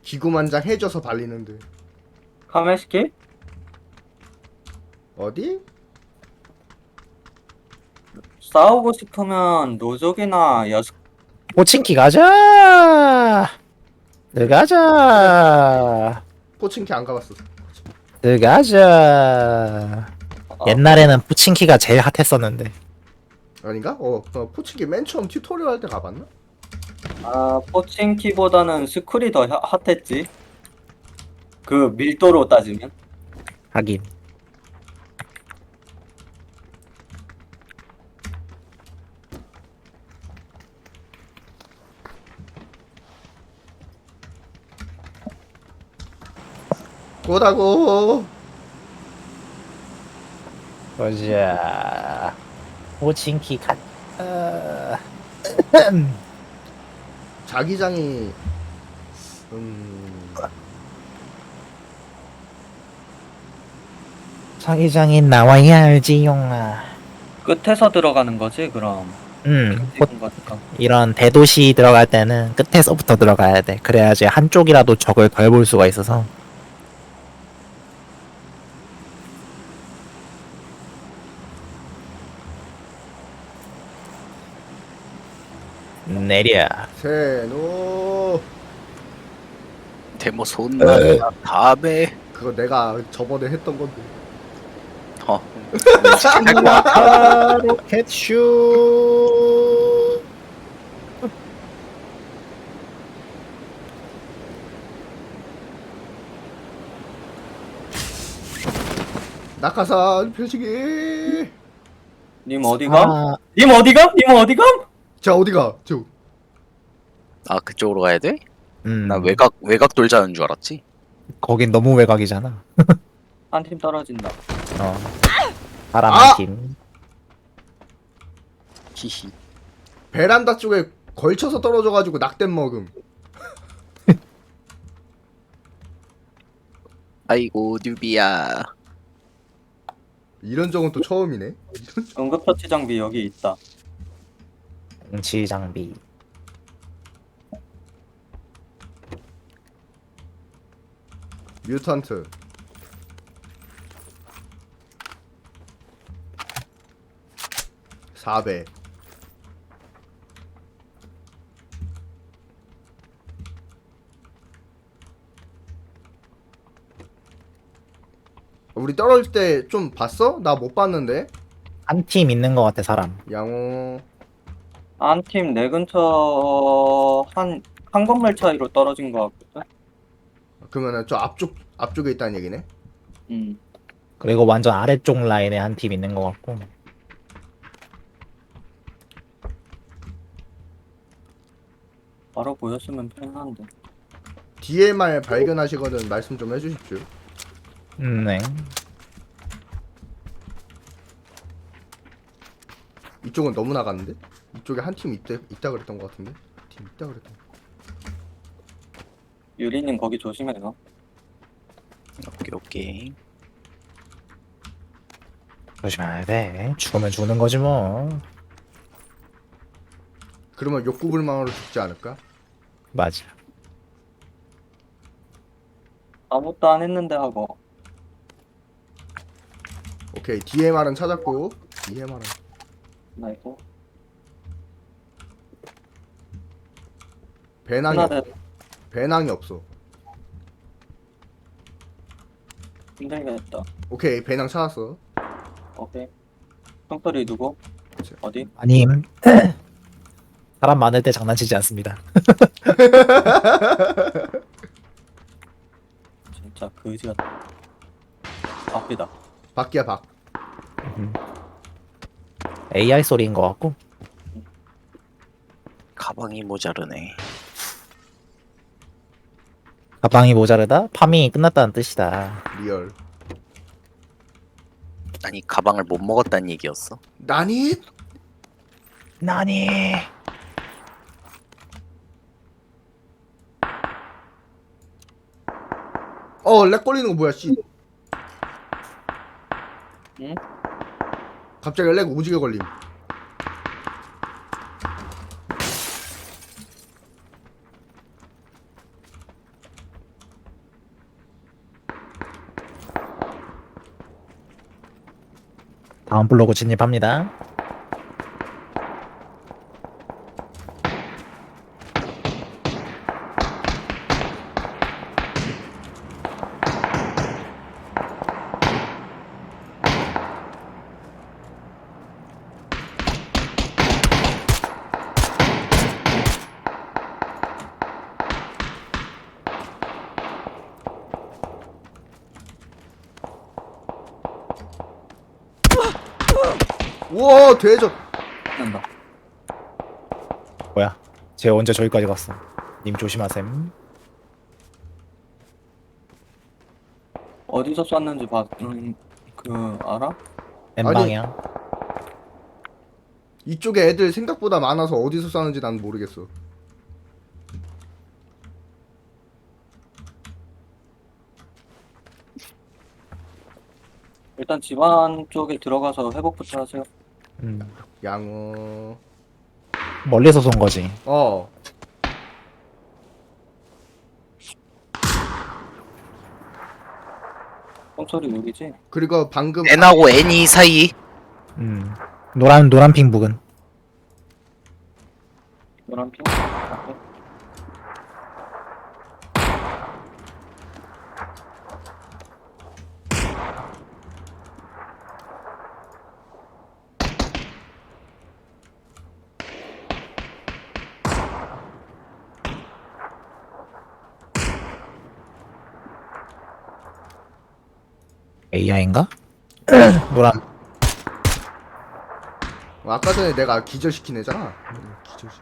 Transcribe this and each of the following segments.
기구만장해져서 발리는데. 카메시키? 어디? 싸우고 싶으면 노족이나 여sk. 포친키 가자. 들어가자. 포칭키 안 가봤어. 들어가자. 옛날에는 포친키가 제일 핫했었는데. 아닌가? 포칭키 맨 처음 튜토리얼 할 때 가봤나? 아, 포친키보다는 스쿨이 더 핫했지. 그 밀도로 따지면. 하긴. 꼬다고. 보자. 포친키 가. 자기장이 자기장인 나와야 알지 용아. 끝에서 들어가는 거지, 그럼. 찍은 거니까. 이런 대도시 들어갈 때는 끝에서부터 들어가야 돼. 그래야지 한쪽이라도 적을 덜 볼 수가 있어서. 내려. 세노. 데모 손나 다음에 그거 내가 저번에 했던 건데. 어 로켓 슈. 낙하산 표시기. 님 어디가? 아, 님 어디가? 님 어디가? 자 어디가? 저 아 그쪽으로 가야 돼? 나 음, 외곽 돌자는 줄 알았지. 거긴 너무 외곽이잖아. 한 팀 떨어진다. 어. 바람 아! 한 팀. 히히. 베란다 쪽에 걸쳐서 떨어져가지고 낙댐 먹음. 아이고 뉴비야. 이런 적은 또 처음이네. 응급처치 장비 여기 있다. 응치 장비. 뮤턴트. (4배) 우리 떨어질 때 좀 봤어? 나 못 봤는데. 한 팀 있는 것 같아 사람. 양호. 한 팀 내 근처 한 건물 차이로 떨어진 거 같거든. 그러면은 저 앞쪽에 있다는 얘기네. 그리고 완전 아래쪽 라인에 한 팀 있는 것 같고. 바로 보였으면 편한데. DMR 발견하시거든 말씀 좀 해주십시오. 네. 이쪽은 너무 나갔는데? 이쪽에 한 팀 있다 그랬던 것 같은데? 팀 있다 그랬던. 유리님 거기 조심해서. 오케이. 조심해야 돼. 죽으면 죽는 거지 뭐. 그러면 욕구불망으로 죽지 않을까? 맞아. 아무것도 안 했는데 하고. 오케이 DMR은 찾았고. DMR은 나 이거 배낭이 하나 없어. 배낭이 없어. 힘들게 했다. 오케이 배낭 찾았어. 오케이. 총소리 누구? 어디? 아님. 사람 많을 때 장난치지 않습니다. 진짜 그지 같다. 앞이다. 밖이야 밖. AI 소리인 것 같고. 가방이 모자르네. 가방이 모자르다? 파밍이 끝났다는 뜻이다. 리얼. 아니 가방을 못 먹었다는 얘기였어. 나니? 나니? 렉 걸리는 거 뭐야 씨. 응? 갑자기 렉 오지게 걸림. 다음 블로그 진입합니다. 우와 대전. 된다. 뭐야? 쟤 언제 저기까지 갔어? 님 조심하셈. 어디서 쐈는지 알아? N방향. 이쪽에 애들 생각보다 많아서 어디서 싸는지 난 모르겠어. 일단 집안 쪽에 들어가서 회복부터 하세요. 양어. 멀리서 쏜 거지. 어. 똥소리 여기지? 그리고 방금 N하고 N이 사이. 노란 핑 부근. 노란 핑? AI인가? 노란. 아까 전에 내가 기절시킨 애잖아. 기절시.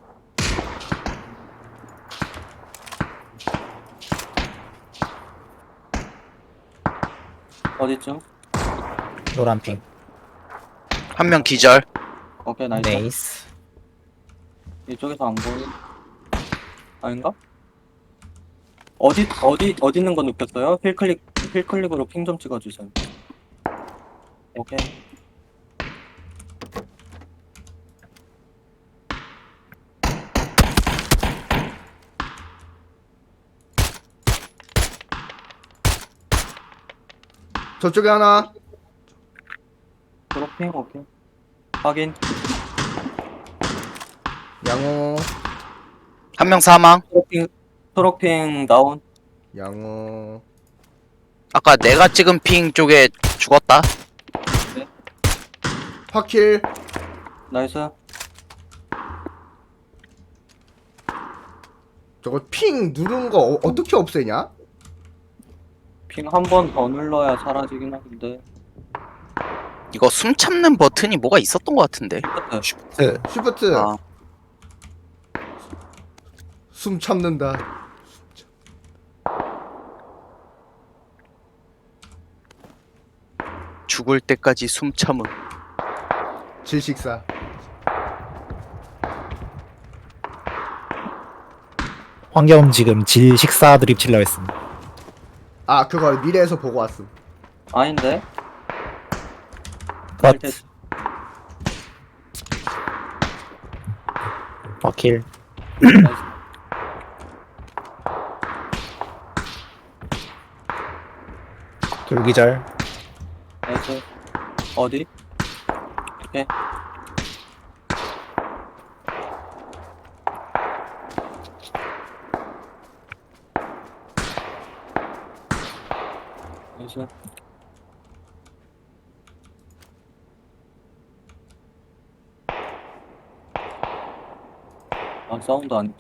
어디쯤? 노란 핑. 한 명 기절. 오케이, 나이스. 네이스. 이쪽에서 안 보이. 아닌가? 어디 있는 거 느꼈어요? 힐클릭으로 핑 좀 찍어주세요. 오케이. 저쪽에 하나. 초록핑, 오케이. 확인. 양어. 한 명 사망. 초록핑 다운. 양어. 아까 내가 찍은 핑 쪽에 죽었다. 확킬. 나이스. 저거 핑 누른 거 어떻게 없애냐? 핑 한 번 더 눌러야 사라지긴 하는데. 이거 숨 참는 버튼이 뭐가 있었던 것 같은데. 끝. 쉬프트. 아, 숨 참는다. 죽을 때까지 숨 참음. 질식사. 황겸 지금 질 식사 드립 칠러 했음. 아 그걸 미래에서 보고 왔음. 아닌데? 컷. 이렇게 버킬. 나이스. 돌기절. 나이스. 어디? 오케이. 나이스. 아, 사운드 안.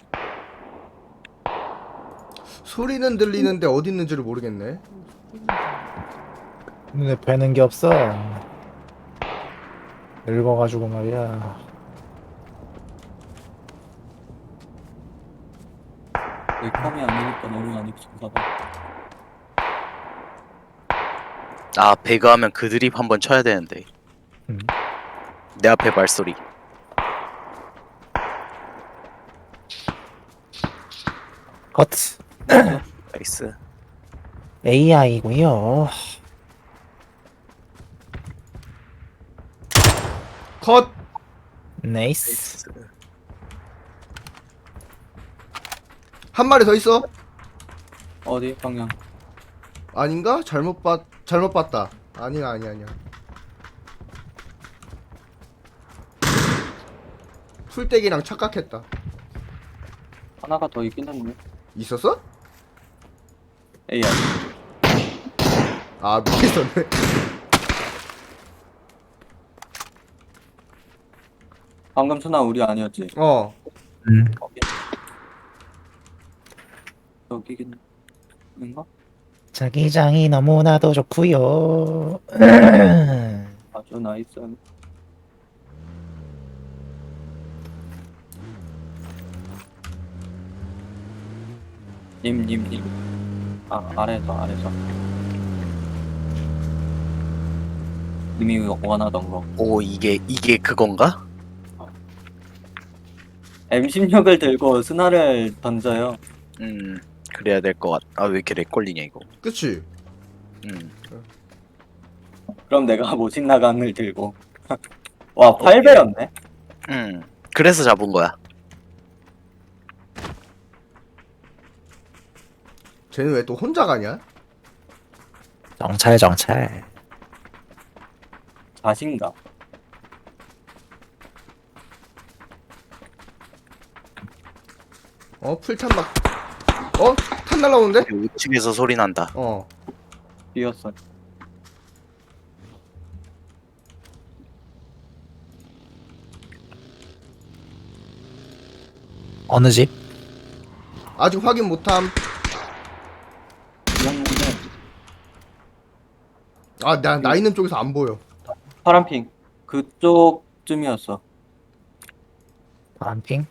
소리는 들리는데 어디 있는지를 모르겠네. 눈에 뵈는 게 없어. 늙어가지고 말이야. 내 컴이 아니니까 너무 안 익숙하다. 아, 배그하면 그 드립 한번 쳐야 되는데. 음. 내 앞에 발소리. 컷. 나이스. AI고요. 컷. 네이스. 한 마리 더 있어. 어디 방향? 아닌가? 잘못 봤다. 아니야. 풀떼기랑 착각했다. 하나가 더 있긴 했네. 있었어? AI. 아 밑에 있었네. 방금 순나 우리 아니었지? 어. 거기. 여기겠는가? 자기장이 너무나도 좋구요. 아주 나이스. 님. 아, 아래서. 님이 원하던 거. 오 이게 그건가? M16을 들고 스나를 던져요. 그래야 될 것 같. 아 왜 이렇게 렉 걸리냐 이거. 그치? 그럼 내가 모직 나강을 들고. 와, 8배였네? 그래서 잡은 거야. 쟤는 왜 또 혼자 가냐? 정찰. 자신감. 풀탄 막. 탄 날라오는데? 우측에서 소리 난다. 비었어. 어느 집? 아직 확인 못함. 이었는데 나 있는 쪽에서 안 보여. 파란핑. 그쪽쯤이었어. 파란핑?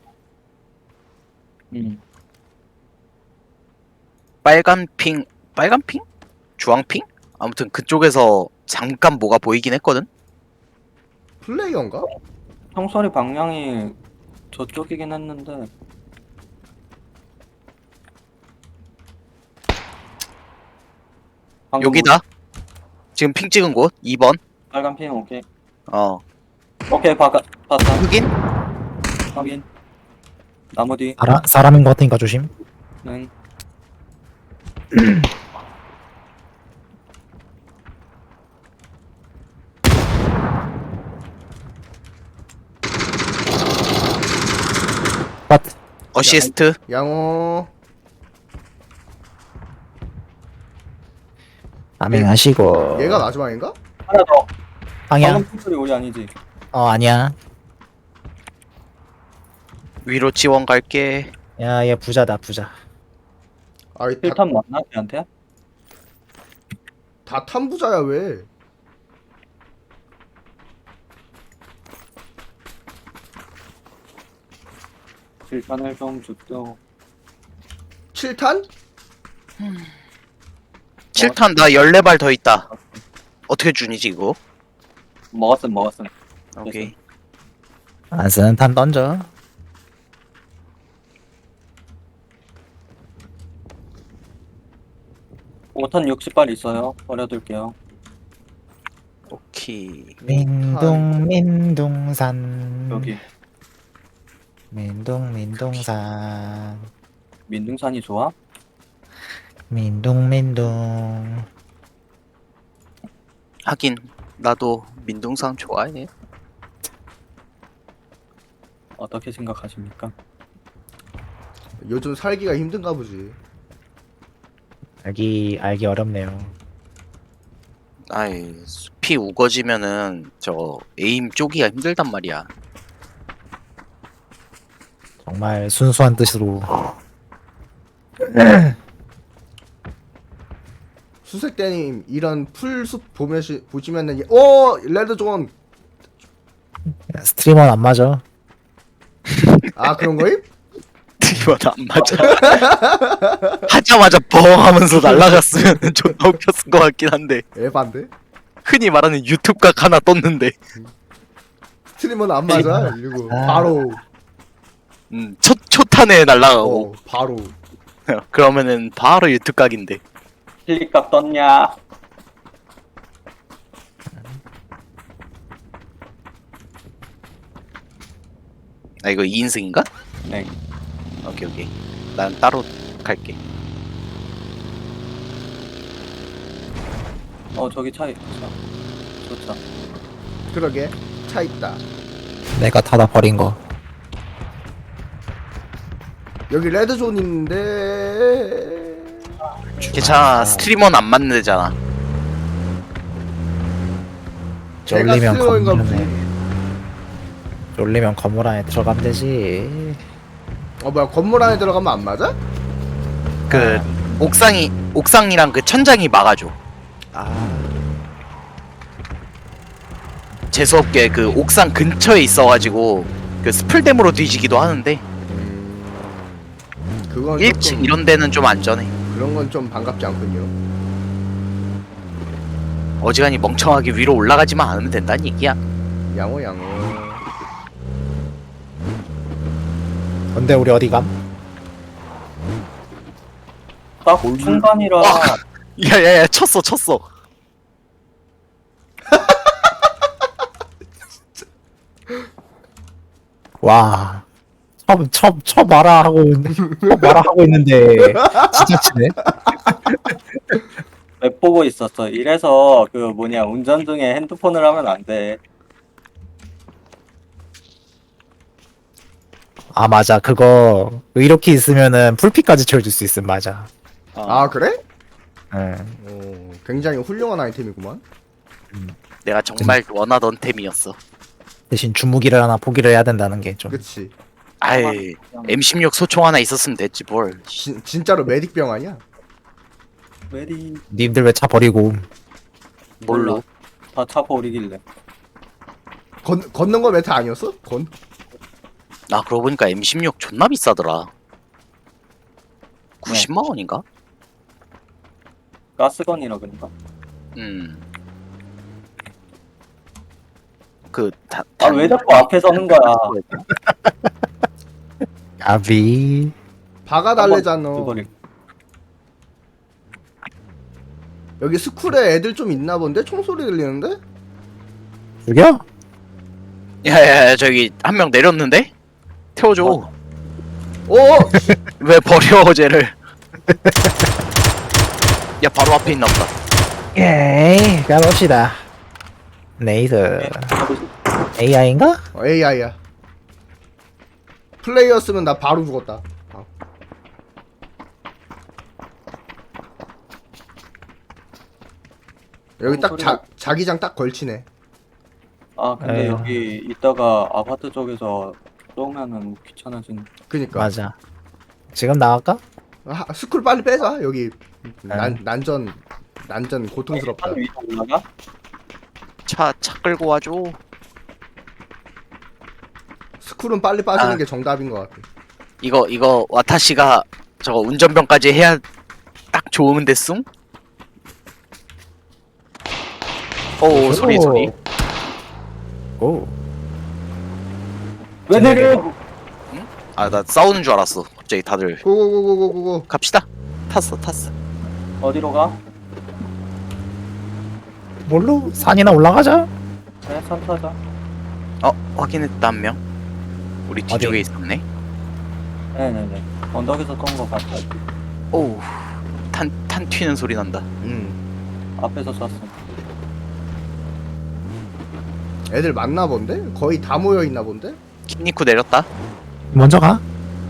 빨간 핑? 주황핑? 아무튼 그쪽에서 잠깐 뭐가 보이긴 했거든. 플레이어인가? 총소리 방향이 저쪽이긴 했는데. 방금 여기다. 지금 핑 찍은 곳 2번. 빨간 핑, 오케이. 오케이 봤다. 흑인? 확인. 나무 뒤. 사람인 것 같으니까 조심. 응. 컷. 어시스트. 양호. 아맹하시고. 얘가 마지막인가? 하나 더. 방향. 방금 총소리 우리 아니지? 아니야. 위로 지원 갈게. 야, 얘 부자다, 부자. 아이 필탄 맞나? 걔한테? 다 탐부자야 왜? 필탄을 좀 줬죠. 7탄? 7탄 나 14발 더 있다. 어떻게 주니지 이거? 먹었음. 오케이. 안 쓰는 탄 던져. 오탄 60발 있어요. 버려둘게요. 오케이. 민둥산. 여기. 민둥산. 민둥산이 좋아? 민둥. 하긴 나도 민둥상 좋아해. 어떻게 생각하십니까? 요즘 살기가 힘든가 보지. 알기 어렵네요. 아이 숲이 우거지면은 저 에임 쪼기가 힘들단 말이야. 정말 순수한 뜻으로. 수색대님 이런 풀숲 보시면은 레드존. 스트리머는 안 맞아. 아 그런 거임? 이건 안 맞아. 하자마자 뻥 하면서 날라갔으면 존나 웃겼을 것 같긴 한데 에반데? 흔히 말하는 유튜브 각 하나 떴는데 스트리머는 안 맞아. 이러고 바로 초탄에 날라가고 바로. 그러면은 바로 유튜브 각인데. 클릭값 떴냐? 아 이거 2인승인가? 네. 오케이 난 따로 갈게. 저기 차 있다. 좋다. 그러게 차 있다. 내가 타다 버린 거. 여기 레드존 있는데. 괜찮아. 스트리머는 안 맞는 데잖아. 쫄리면 스트리머인가 건물에 쫄리면 건물 안에 들어가면 되지. 뭐야, 건물 안에 들어가면 안 맞아? 그 옥상이랑 그 천장이 막아줘. 아, 재수없게 그 옥상 근처에 있어가지고 그 스플댐으로 뒤지기도 하는데 그건 1층 조금, 이런 데는 좀 안전해. 그런 건 좀 반갑지 않군요. 어지간히 멍청하게 위로 올라가지만 않으면 된다는 얘기야. 양호 양호. 근데 우리 어디 감? 딱 중간이라 야야야 쳤어. 와. 쳐 마라 하고 있는데 진짜 치네. 맵 보고 있었어. 이래서 그 뭐냐 운전 중에 핸드폰을 하면 안 돼. 아 맞아 그거 이렇게 있으면은 풀피까지 채워줄 수 있음 맞아. 아, 그래? 응. 오, 굉장히 훌륭한 아이템이구만. 내가 정말 원하던 템이었어. 대신 주무기를 하나 포기를 해야 된다는 게 좀. 그치. 아이 M16 소총 하나 있었으면 됐지 뭘. 진짜로 메딕병 아니야? 메리 님들 왜 차 버리고? 뭘로? 다차 버리길래. 걷는 거 메타 아니었어? 나 그러고 보니까 M16 존나 비싸더라. 90만 원인가? 가스건이라 그런가? 아 왜 자꾸 앞에 서는 거야? 아비. 박아달래잖아. 그거를 여기 스쿨에 애들 좀 있나 본데? 총소리 들리는데? 죽여? 야야야 저기 한 명 내렸는데? 태워줘. 어. 오! 왜 버려 쟤를? 야 바로 앞에 있나 보다. 에이 가봅시다. 네이드 AI인가? AI야. 플레이였으면 나 바로 죽었다. 여기 딱 자기장 딱 걸치네. 아 근데 에휴. 여기 이따가 아파트 쪽에서 쏘면은 귀찮아진. 그니까. 맞아. 지금 나갈까? 스쿨 빨리 빼자. 여기 난전 고통스럽다. 산 위로 올라가? 차 끌고 와줘. 스쿨은 빨리 빠지는 아. 게 정답인 것 같아. 이거 와타시가 저거 운전병까지 해야 딱 좋은 데숭? 오 소리. 오. 왜 내려? 아 나 싸우는 줄 알았어. 갑자기 다들 고고고고고고. 갑시다. 탔어. 어디로 가? 뭘로? 산이나 올라가자. 그래 산 타자. 확인했다 한 명. 우리 뒤쪽에 어디? 있었네. 네네네. 언덕에서 쏜 거 같아. 오우 탄 튀는 소리 난다. 앞에서 쐈어. 애들 많나 본데? 거의 다 모여 있나 본데? 킨니쿠 내렸다. 먼저 가.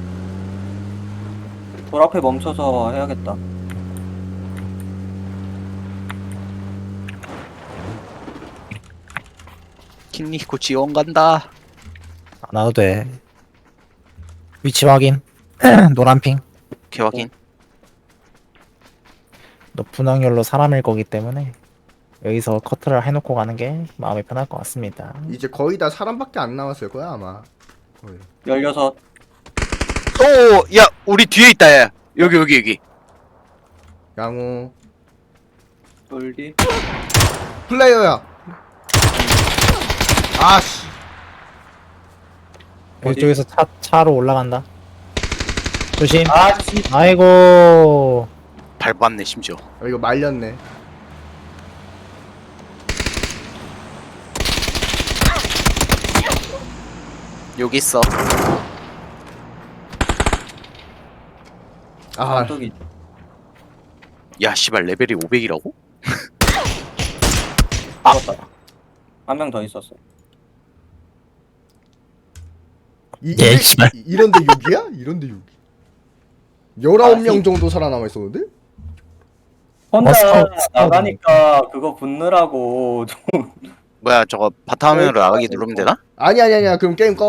돌 앞에 멈춰서 해야겠다. 킨니쿠 지원 간다. 안 와도 돼. 위치 확인. 노란핑. 오케이 확인. 높은 확률로 사람일 거기 때문에 여기서 커트를 해놓고 가는 게 마음이 편할 것 같습니다. 이제 거의 다 사람밖에 안 남았을 거야 아마. 거의. 16. 오, 야, 우리 뒤에 있다, 야. 여기. 양호. 돌리. 플레이어야. 아씨. 이쪽에서 차로 올라간다. 조심. 아씨. 아이고. 밟았네, 심지어. 이거 말렸네. 여기 있어. 아, 언덕이. 야, 씨발, 레벨이 500이라고? 죽었다. 한 명 더 있었어. 이, 예, 이, 씨발. 이런데 6이야? 이런데 6. 19명 정도 살아남아 있었는데? 혼자 어, 나가니까 그거 붙느라고 좀 뭐야 저거 바탕화면으로 나가기 누르면 되나? 아니야 그럼 게임 꺼